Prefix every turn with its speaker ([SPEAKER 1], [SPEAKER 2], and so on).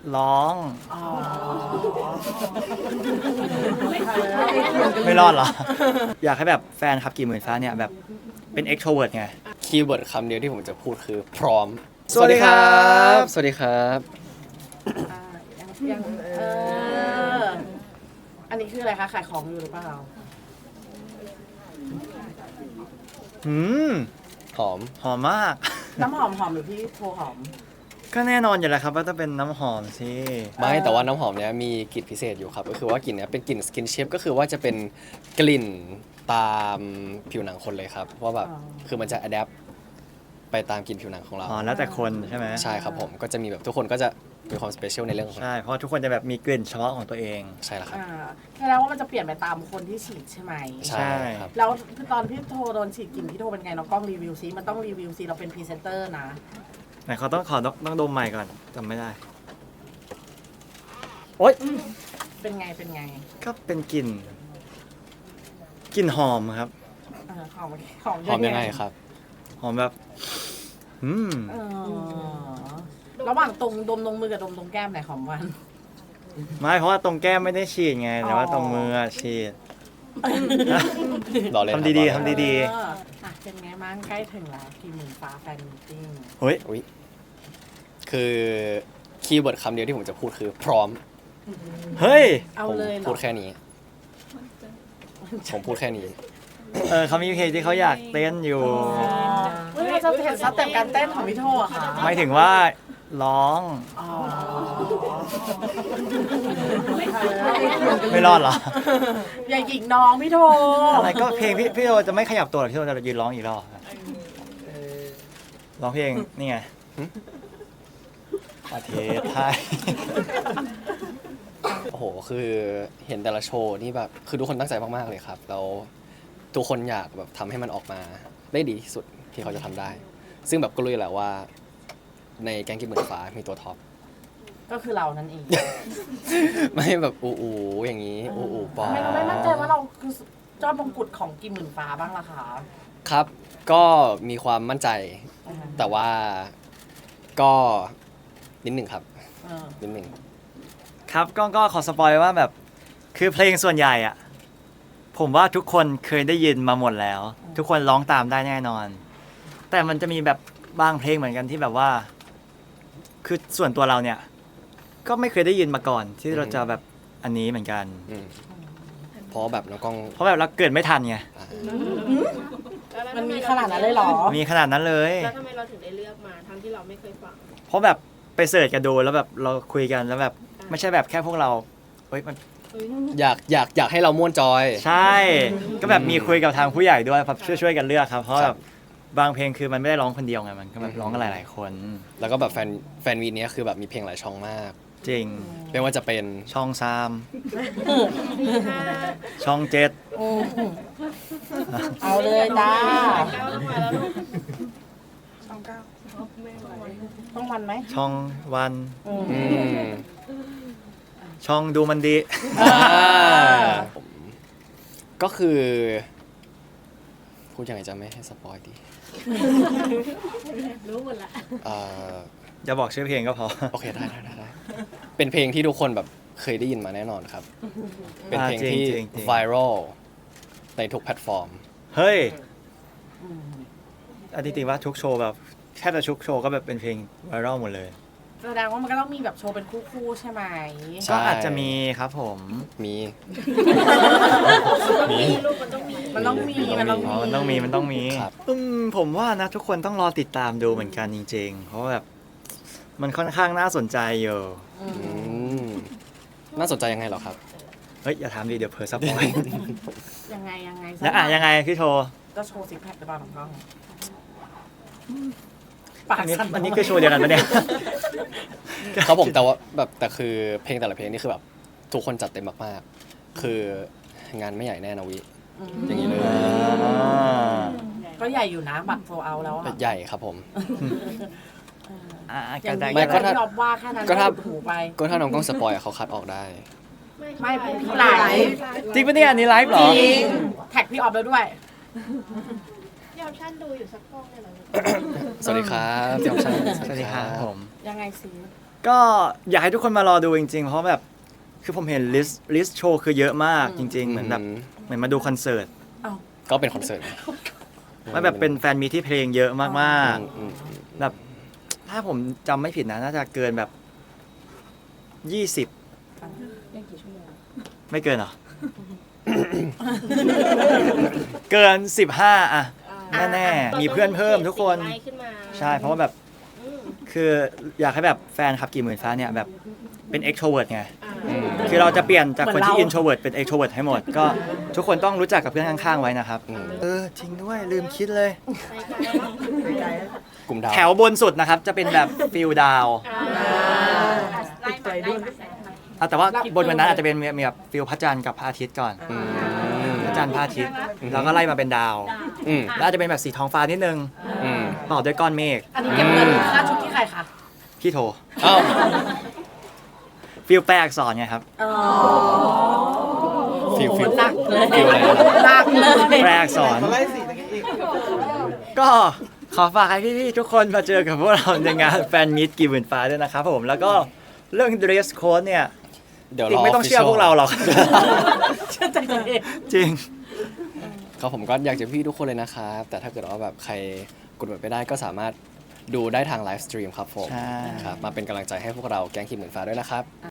[SPEAKER 1] ร้อง
[SPEAKER 2] อ๋อ
[SPEAKER 1] ไม่รอดเหรอ อยากให้แบบแฟนคลับกี่หมื่นฟ้าเนี่ยแบบเป็น extrovert ไง
[SPEAKER 3] คีย์เวิร์ดคำเดียวที่ผมจะพูดคือพร้อม
[SPEAKER 1] สวัสดีครับ
[SPEAKER 3] สวัสดีครับ
[SPEAKER 2] ยังอันนี้คืออะไรคะขายของอยู่หรือเปล่า
[SPEAKER 1] อืม
[SPEAKER 3] หอม
[SPEAKER 1] หอมมาก
[SPEAKER 2] น้ำหอมหรือพี่โทหอม
[SPEAKER 1] ก็แน่นอนอยู่แล้วครับว่าต้องเป็นน้ำหอมสิ
[SPEAKER 3] ไม่แต่ว่าน้ำหอมเนี้ยมีกลิ่นพิเศษอยู่ครับ ก็คือว่ากลิ่นเนี้ยเป็นกลิ่นสกินเชฟก็คือว่าจะเป็นกลิ่นตามผิวหนังคนเลยครับว่าแบบ
[SPEAKER 2] อ๋อ
[SPEAKER 3] คือมันจะอัดแอปไปตามกลิ่นผิวหนังของเรา
[SPEAKER 1] อ๋อแล้วแต่คนใช่ไหม
[SPEAKER 3] ใช่ครับผมก็จะมีแบบทุกคนก็จะมีความสเปเชียลในเรื่องของ
[SPEAKER 1] ใช่เพราะทุกคนจะแบบมีกลิ่นเฉพาะของตัวเอง
[SPEAKER 3] ใช่แล้วครับ
[SPEAKER 2] แสดงว่ามันจะเปลี่ยนไปตามคนที่ฉีดใช่ไหม
[SPEAKER 3] ใช่ครับ
[SPEAKER 2] แล้วตอนพี่โทโดนฉีดกลิ่นพี่โทเป็นไงน้องกล้องรีวิวซิมันต้องรีวิวซิเราเป็นพรีเซนเตอร์นะ
[SPEAKER 1] ไหนเขาต้องดมใหม่ก่อนจำไม่ได้ โอ๊ย
[SPEAKER 2] เป็นไง
[SPEAKER 1] ก็เป็นกลิ่นหอมครับ
[SPEAKER 2] หอม
[SPEAKER 3] หอมยังไงครับ
[SPEAKER 1] หอมแบบ อืม
[SPEAKER 2] ระหว่างตรงดมตรงมือกับดมตรงแก้มไหนหอมวัน
[SPEAKER 1] ไม่เพราะว่าตรงแก้มไม่ได้ฉีดไง แต่ว่าตรงมืออะฉีด
[SPEAKER 3] รอเล่นครับ
[SPEAKER 1] ทำดีๆ
[SPEAKER 3] รอเล่น
[SPEAKER 1] ทำดี
[SPEAKER 2] เป็นไงบ้างใกล้ถึงแล้วกี่หมื่นฟ้าแฟนมิทติ้ง
[SPEAKER 1] เฮ้ย
[SPEAKER 3] อุ๊ยคือคีย์เวิร์ดคำเดียวที่ผมจะพูดคือพร้อม
[SPEAKER 1] เฮ้ย
[SPEAKER 2] เอา
[SPEAKER 3] ผม
[SPEAKER 2] เลยเหรอ
[SPEAKER 3] พูดแค่นี้ ผมพูดแค่นี้
[SPEAKER 1] เขามีเพลงที่เขาอยากเต้นอยู่
[SPEAKER 2] เฮ้ยเราจะเห็นสเต็ปการเต้นของพี่โทอะค่ะ
[SPEAKER 1] หมายถึงว่าร้อง
[SPEAKER 2] อ๋อ
[SPEAKER 1] ไม่รอดเหรอ
[SPEAKER 2] อย่าหยิงน้องพี่โท
[SPEAKER 1] อะไรก็เพลงพี่โอจะไม่ขยับตัวหรอกพี่โอจะยืนร้องอีกรอบร้องเพลงนี่ไงประเทศไทย
[SPEAKER 3] โอ้โห คือเห็นแต่ละโชว์นี่แบบ คือทุกคนตั้งใจมากๆเลยครับ แล้วทุกคนอยากแบบทำให้มันออกมาได้ดีที่สุดที่เขาจะทำได้ ซึ่งแบบก็รู้อยู่แหละว่า ในแก๊งกิมหมื่นฟ้ามีตัวท็อป
[SPEAKER 2] ก็คือเรานั่นเอง
[SPEAKER 3] ไม่แบบอูอย่างนี้ อูปอ
[SPEAKER 2] ทำไมเราไม่มั่นใจว่าเราคือยอดมงกุฎของกี่หมื่นฟ้าบ้างล่ะคะ
[SPEAKER 3] ครับ ก็มีความมั่นใจ แต่ว่าก็นิดหนึ่งครับ นิดหนึ่ง
[SPEAKER 1] ครับก็ขอสปอยว่าแบบคือเพลงส่วนใหญ่อะผมว่าทุกคนเคยได้ยินมาหมดแล้ว ทุกคนร้องตามได้แน่นอน แต่มันจะมีแบบบางเพลงเหมือนกันที่แบบว่า คือส่วนตัวเราเนี่ย ก็ไม่เคยได้ยินมาก่อน ที่เราจะแบบอันนี้เหมือนกัน
[SPEAKER 3] อืมเพราะแบบน้องกล้อง
[SPEAKER 1] เพราะแบบเราเกิดไม่ทันไง
[SPEAKER 2] มันมีขนาดนั้นเลยเหรอ
[SPEAKER 1] มีขนาดนั้นเลย
[SPEAKER 4] แล้วทำไมเราถึงได้เลือกมาทั้งที่เราไม่เคยฟัง
[SPEAKER 1] เพราะแบบไปเสิร์ชกันดูแล้วแบบเราคุยกันแล้วแบบไม่ใช่แบบแค่พวกเราเฮ้ยมัน
[SPEAKER 3] อยากให้เราม่วนจอย
[SPEAKER 1] ใช่ ก็แบบมีคุยกับทางผู้ใหญ่ด้วยครับช่วยกันเลือกครับ เพราะ
[SPEAKER 3] ค
[SPEAKER 1] แบ
[SPEAKER 3] รั
[SPEAKER 1] บบ บางเพลงคือมันไม่ได้ร้องคนเดียวไงมันก็แบบร้องกันหลายๆคน
[SPEAKER 3] แล้วก็แบบแฟนวีเนี้ยคือแบบมีเพลงหลายช่องมาก
[SPEAKER 1] จริง
[SPEAKER 3] ไม่ว่าจะเป็น
[SPEAKER 1] ช่อง3ช่อง7
[SPEAKER 2] เอาเลยจ้า
[SPEAKER 4] ก้าวมาแล้วลูก
[SPEAKER 2] ช่องเก้าต้องวันไหม
[SPEAKER 1] ช่องวัน
[SPEAKER 3] อืม
[SPEAKER 1] ช่องดูมันดี
[SPEAKER 3] ผมก็คือพูดยังไงจะไม่ให้สปอยดี
[SPEAKER 4] รู้หมดละ
[SPEAKER 3] เอ่อ
[SPEAKER 1] อย่าบอกชื่อเพลงก็พอ
[SPEAKER 3] โอเคได้เป็นเพลงที่ทุกคนแบบเคยได้ยินมาแน่นอนครับ เป็นเพลงที่
[SPEAKER 1] จริง
[SPEAKER 3] ไวรัลในทุกแพลตฟอร์ม
[SPEAKER 1] เฮ้ยอันที่จริงว่าทุกโชว์แบบแทบจะทุกโชว์ก็แบบเป็นเพลงไวรัลหมดเลย
[SPEAKER 2] แสดงว่ามันก็ต้องมีแบบโชว์เป็นคู่ๆใช่ไหม
[SPEAKER 3] ใช่
[SPEAKER 1] ก็อาจจะมีครับผม
[SPEAKER 3] มี
[SPEAKER 4] มีลูกมันต้องมี
[SPEAKER 2] มันต้องมี มันต้อง
[SPEAKER 1] อ๋
[SPEAKER 2] มี
[SPEAKER 1] อมันต้องมี
[SPEAKER 3] ครับ
[SPEAKER 1] ผมว่านะทุกคนต้องรอติดตามดูเหมือนกันจริงๆ เพราะว่าแบบมันค่อนข้างน่าสนใจอยู่
[SPEAKER 3] อืมน่าสนใจยังไงเหรอครับ
[SPEAKER 1] เฮ้ยอย่าถามดิเดี๋ยวเพอสปอย
[SPEAKER 2] ยังไง
[SPEAKER 1] แล้วยังไงพี่โชว์
[SPEAKER 2] ก็โชว์ซิกแพคหรือเปล่าน้องกล้อง
[SPEAKER 1] อันนี้คือโชว์เดียวกันปะเนี่ย
[SPEAKER 3] ครับผมแต่ว่าแบบแต่คือเพลงแต่ละเพลงนี่คือแบบทุกคนจัดเต็มมากๆ คืองานไม่ใหญ่แน่นะวิ อย่างนี้เลย
[SPEAKER 2] ก็ใหญ่อยู่นะ บัตรโซเอาแล้วอะ
[SPEAKER 3] ใหญ่ครับผม
[SPEAKER 2] อย่าง
[SPEAKER 1] ได้
[SPEAKER 2] นี้
[SPEAKER 3] ไม่
[SPEAKER 2] อย่าง
[SPEAKER 3] ก็ถ้า
[SPEAKER 2] ที่เราว่าแค่นั้น
[SPEAKER 3] ก็ถ้า
[SPEAKER 2] ถูไป
[SPEAKER 3] ก็ถ้าน้องกล้องสปอยอะเขาคัดออกได้
[SPEAKER 2] ไม่พี่ไลฟ์
[SPEAKER 1] จริงปะเนี่ยอันนี้ไลฟ์เหร
[SPEAKER 2] จ
[SPEAKER 1] อ
[SPEAKER 2] ริงแท็กพี่ออฟแล้วด้วย
[SPEAKER 4] พี่ออปชั่นดูอยู่สักกล้องเลยเหรอ
[SPEAKER 3] สวัสดีครับพี่ออปชั่น
[SPEAKER 1] สวัสดีครับผม
[SPEAKER 2] ยังไงสิ
[SPEAKER 1] ก็อยากให้ทุกคนมารอดูจริงๆ เพราะแบบคือผมเห็นลิสต์โชว์คือเยอะมากจริง ๆ เหมือนแบบเหมือนมาดูคอนเสิร์ต
[SPEAKER 3] ก็เป็นคอนเสิร์ต
[SPEAKER 1] มันแบบเป็นแฟนมีตที่เพลงเยอะมาก
[SPEAKER 3] อืม
[SPEAKER 1] ๆแบบถ้าผมจำไม่ผิดนะน่าจะเกินแบบ20ไม่เกินเหรอ เกิน15อะแน่ๆมีเพื่อนเพิ่มทุกคน
[SPEAKER 4] ไล่ขึ้นมา
[SPEAKER 1] ใช่เพราะว่าแบบ
[SPEAKER 4] อืม
[SPEAKER 1] คืออยากให้แบบแฟนคลับกี่หมื่นฟ้าเนี่ยแบบเป็น extrovert ไง
[SPEAKER 4] อ่า
[SPEAKER 1] คือเราจะเปลี่ยนจากคนที่
[SPEAKER 2] เหมือนเรา
[SPEAKER 1] introvert เป็น extrovert ให้หมด ก็ทุกคนต้องรู้จักกับเพื่อนข้างๆไว้นะครับ
[SPEAKER 3] อืม
[SPEAKER 1] จริงด้วยลืมคิดเลย
[SPEAKER 4] ไปไกลแล้ว
[SPEAKER 3] กลุ่มดาว
[SPEAKER 1] แถวบนสุดนะครับ จะเป็นแบบฟิลดาว
[SPEAKER 4] อ่า
[SPEAKER 2] ติดใจด้วย
[SPEAKER 1] แต่ว่าบนวันนั้นอาจจะเป็นมีแบบฟิลพระจันทร์กับพระอาทิตย์ก่อน
[SPEAKER 3] อืม
[SPEAKER 1] พระจันทร์พระอาทิตย์แล้วก็ไล่มาเป็นดาว
[SPEAKER 3] อืม
[SPEAKER 1] แล้วอาจจะเป็นแบบสีท้องฟ้านิดนึง
[SPEAKER 3] อืม
[SPEAKER 1] ต่อด้วยก้อนเมฆ
[SPEAKER 2] อันนี้เก็บเงินค่าชุดที่ใครคะ
[SPEAKER 1] พี่โท
[SPEAKER 3] อ้าว
[SPEAKER 1] ฟิลแปลอักษรไงครับ
[SPEAKER 3] ฟิล
[SPEAKER 2] หนักเลย
[SPEAKER 3] ฟิลอะไรนะ
[SPEAKER 2] หนักเลย
[SPEAKER 1] แปลอักษรก็ขอฝากให้พี่ๆทุกคนมาเจอกับพวกเราในงานแฟนมิตกี่หมื่นฟ้าด้วยนะครับผมแล้วก็เรื่อง dress code เนี่ย
[SPEAKER 3] เดี๋ยว
[SPEAKER 1] จริ
[SPEAKER 3] รง อ
[SPEAKER 1] ไม่ต้องเชื่อพวกเราหรอก
[SPEAKER 2] เชื่อใจตัวเอง
[SPEAKER 1] จริง
[SPEAKER 3] ครับผมก็อยากจะพี่ทุกคนเลยนะครับ แต่ถ้าเกิดว่าแบบใครกดบัตรไม่ได้ก็สามารถดูได้ทางไลฟ์สตรีมครับผม
[SPEAKER 1] ใช่
[SPEAKER 3] ครับมาเป็นกำลังใจให้พวกเราแก๊งขีดหมื่นฟ้าด้วยนะครับ